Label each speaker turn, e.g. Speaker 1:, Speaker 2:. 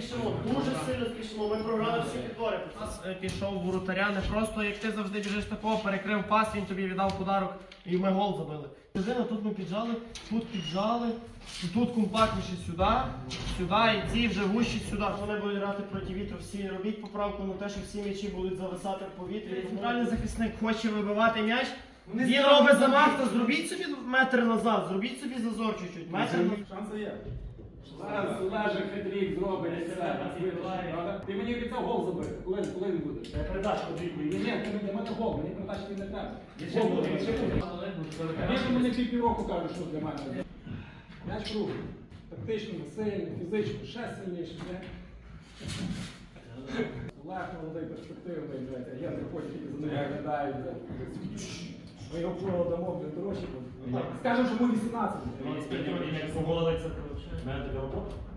Speaker 1: спішимо, дуже сильно спішимо. Ми програли всі підбори. У нас пішов воротаря, не просто як ти завжди біжиш такого, перекрив пас, він тобі віддав подарок і ми гол забили. Тут ми піджали, тут компактніше сюди, і ці вже вущі сюди. Вони будуть грати проти вітру, всі робіть поправку на те, що всі м'ячі будуть зависати в повітрі. Центральний захисник хоче вибивати м'яч. Він робить замах, то зробіть собі метр назад, зробіть собі зазор чуть-чуть.
Speaker 2: Шанси є. Зараз Олежик хитрік зробить і все. Ти мені обіцяв гол забити. Коли він буде?
Speaker 1: Передачку двійку.
Speaker 2: Ні, для мене гол, мені передачки не треба. Гол буде. Він мені півроку каже, що для мене. М'яч круглий. Тактично, сильний, фізично, ще сильніше. Олег молодий, перспективний, я не хочу тільки за ним виглядаю. Ми його впливо дамо, дорожчі. Скажемо, що ми 18.
Speaker 3: Він як поголиться, то в мене така робота.